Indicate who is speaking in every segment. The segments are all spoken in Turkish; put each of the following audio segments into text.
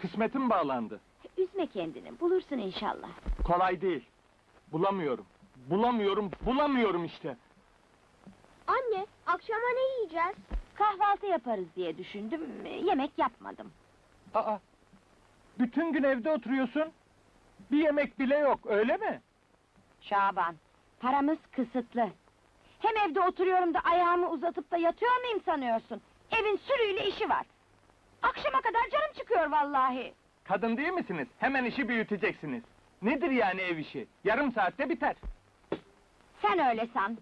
Speaker 1: Kısmetim bağlandı.
Speaker 2: Üzme kendini, bulursun inşallah.
Speaker 1: Kolay değil. Bulamıyorum. Bulamıyorum işte.
Speaker 3: Anne, akşama ne yiyeceğiz?
Speaker 2: Kahvaltı yaparız diye düşündüm, yemek yapmadım.
Speaker 1: Aa! Bütün gün evde oturuyorsun. Bir yemek bile yok, öyle mi?
Speaker 2: Şaban, paramız kısıtlı. Hem evde oturuyorum da ayağımı uzatıp da yatıyor muyum sanıyorsun? Evin sürüyle işi var. Akşama kadar canım çıkıyor vallahi.
Speaker 1: Kadın değil misiniz? Hemen işi büyüteceksiniz. Nedir yani ev işi? Yarım saatte biter.
Speaker 2: Sen öyle san.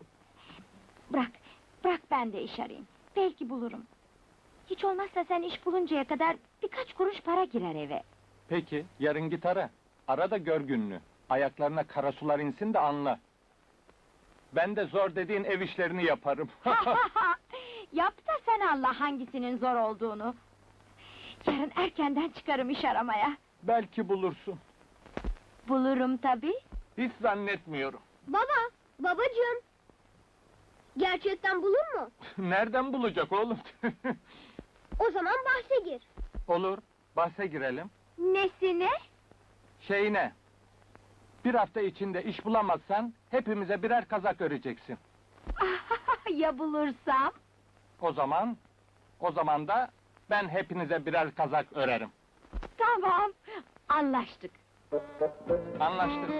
Speaker 2: Bırak ben de iş arayayım. Belki bulurum. Hiç olmazsa sen iş buluncaya kadar birkaç kuruş para girer eve.
Speaker 1: Peki, yarın git ara. Ara da gör gününü. Ayaklarına kara sular insin de anla. Ben de zor dediğin ev işlerini yaparım.
Speaker 2: Yap da sen anla hangisinin zor olduğunu. Yarın erkenden çıkarım iş aramaya.
Speaker 1: Belki bulursun.
Speaker 2: Bulurum tabii.
Speaker 1: Hiç zannetmiyorum.
Speaker 3: Babacığım. Gerçekten bulur mu?
Speaker 1: Nereden bulacak oğlum?
Speaker 3: O zaman bahse gir.
Speaker 1: Olur, bahse girelim.
Speaker 2: Nesine?
Speaker 1: Şeyine, bir hafta içinde iş bulamazsan hepimize birer kazak öreceksin.
Speaker 2: Ya bulursam?
Speaker 1: O zaman da ben hepinize birer kazak örerim.
Speaker 2: Tamam, anlaştık.
Speaker 1: Anlaştık.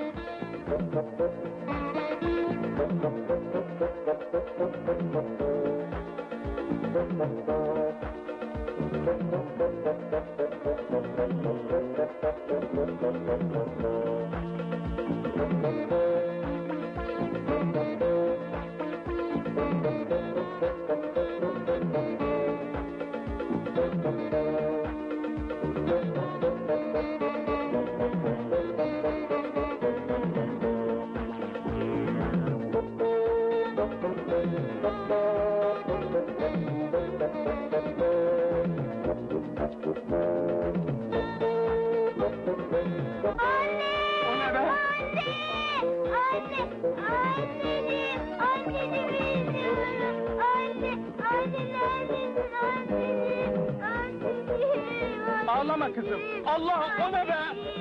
Speaker 1: Ağlama kızım! Allah, o ne be?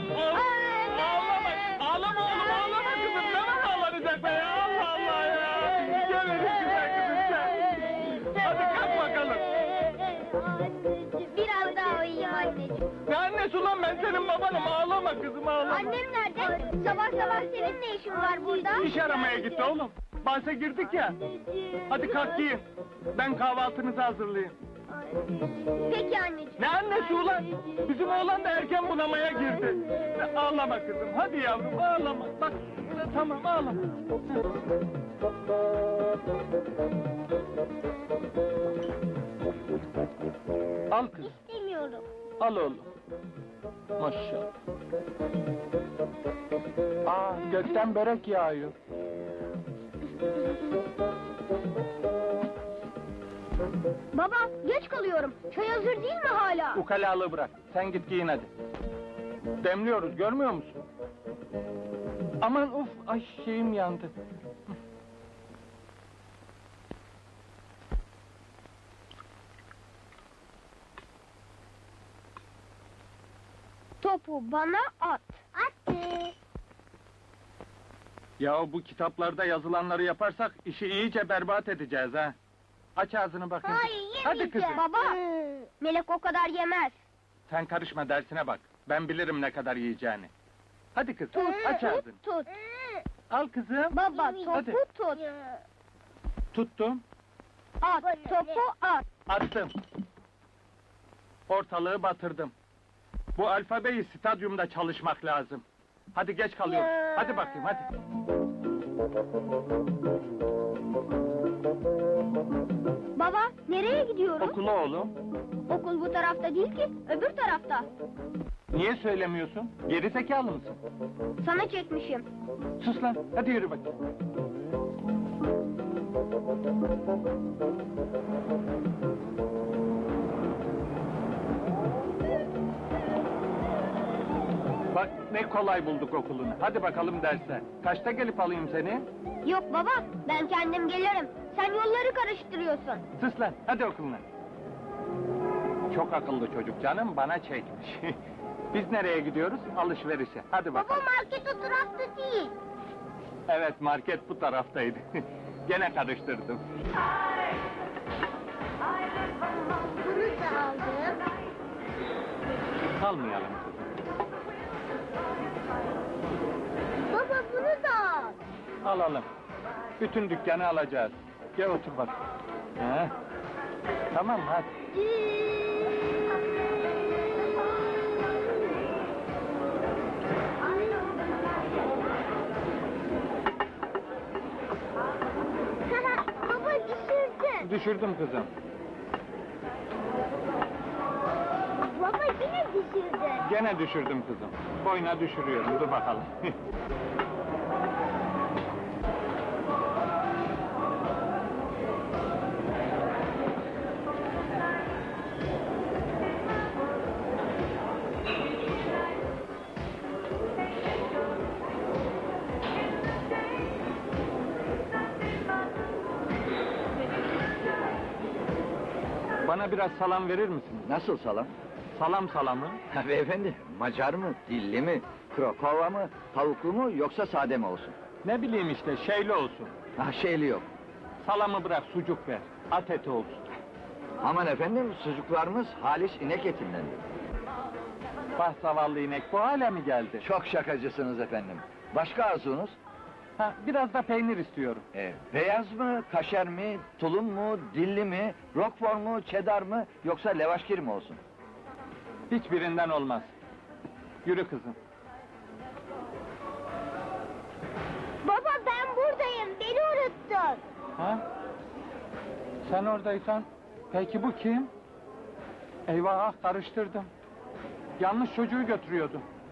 Speaker 1: Ağlama oğlum, ağlama kızım! Ne var ağlanacak be ya? Allah Allah ya! Gel güzel kızım sen! Hadi kalk bakalım!
Speaker 3: Biraz daha uyuyayım anneciğim.
Speaker 1: Ne annesi ulan, ben senin babanım, ağlama kızım, ağlama!
Speaker 3: Annem nerede? Sabah sabah senin ne işin var burada?
Speaker 1: İş aramaya gitti oğlum! Bahse girdik ya! Hadi kalk giyin! Ben kahvaltınızı hazırlayayım!
Speaker 3: Peki anneciğim.
Speaker 1: Ne annesi ulan? Bizim oğlan da erken bunamaya girdi! Ağlama kızım, hadi yavrum, ağlama! Bak, tamam, ağlama! Al kızım,
Speaker 3: İstemiyorum.
Speaker 1: al oğlum! Maşallah! Aa, gökten börek yağıyor!
Speaker 3: Baba, geç kalıyorum. Çay hazır değil mi hala?
Speaker 1: Ukalalığı bırak, sen git giyin hadi! Demliyoruz, görmüyor musun? Aman uf, ay şeyim yandı!
Speaker 3: Topu bana at. Attı.
Speaker 1: Ya bu kitaplarda yazılanları yaparsak işi iyice berbat edeceğiz ha! Aç ağzını bakayım! Hadi kızım!
Speaker 3: Baba, Melek o kadar yemez.
Speaker 1: Sen karışma, dersine bak! Ben bilirim ne kadar yiyeceğini! Hadi kızım, aç ağzını!
Speaker 3: Tut.
Speaker 1: Al kızım!
Speaker 3: Baba, topu
Speaker 1: Hadi.
Speaker 3: tut.
Speaker 1: Tuttum,
Speaker 3: At, topu at.
Speaker 1: attım! Ortalığı batırdım! Bu alfabeyi stadyumda çalışmak lazım! Hadi geç kalıyoruz! Hadi bakayım, hadi!
Speaker 3: Baba, nereye gidiyoruz?
Speaker 1: Okula oğlum!
Speaker 3: Okul bu tarafta değil ki, öbür tarafta.
Speaker 1: Niye söylemiyorsun? Geri zekalı mısın?
Speaker 3: Sana çekmişim.
Speaker 1: Sus lan, hadi yürü bakayım! Bak ne kolay bulduk okulunu. Hadi bakalım derse. Kaçta gelip alayım seni?
Speaker 3: Yok baba, ben kendim gelirim. Sen yolları karıştırıyorsun.
Speaker 1: Sus lan, hadi okuluna. Çok akıllı çocuk canım, bana çekmiş. Biz nereye gidiyoruz? Alışverişe. Hadi
Speaker 3: Baba
Speaker 1: bakalım.
Speaker 3: market o tarafta değil.
Speaker 1: Evet, market bu taraftaydı. Gene karıştırdım.
Speaker 3: Bunu da aldım.
Speaker 1: Kalmayalım kızım.
Speaker 3: Baba bunu da al.
Speaker 1: Alalım. Bütün dükkanı alacağız. Gel otur bak. He. Tamam hadi.
Speaker 3: Baba düşürdün.
Speaker 1: Düşürdüm kızım.
Speaker 3: Baba yine düşürdün.
Speaker 1: Gene düşürdüm kızım. Boyuna düşürüyorum. Dur bakalım. Bana biraz salam verir misin?
Speaker 4: Nasıl salam?
Speaker 1: Salam salamı.
Speaker 4: Ha, beyefendi, Macar mı, dilli mi, Krokova mı, tavuklu mu yoksa sade mi olsun?
Speaker 1: Ne bileyim işte, şeyli olsun.
Speaker 4: Ha, şeyli yok.
Speaker 1: Salamı bırak, sucuk ver. At eti olsun.
Speaker 4: Aman efendim, sucuklarımız halis inek etindendir.
Speaker 1: Bah zavallı inek, bu hale mi geldi?
Speaker 4: Çok şakacısınız efendim. Başka arzunuz?
Speaker 1: Ha, biraz da peynir istiyorum.
Speaker 4: Beyaz mı, kaşer mi, tulum mu, dilli mi, roquefort mu, cheddar mı yoksa levaşkir mi olsun?
Speaker 1: Hiçbirinden olmaz. Yürü kızım.
Speaker 3: Baba ben buradayım. Beni unuttun.
Speaker 1: Ha? Sen oradaysan, peki bu kim? Eyvah, karıştırdım. Yanlış çocuğu götürüyordum.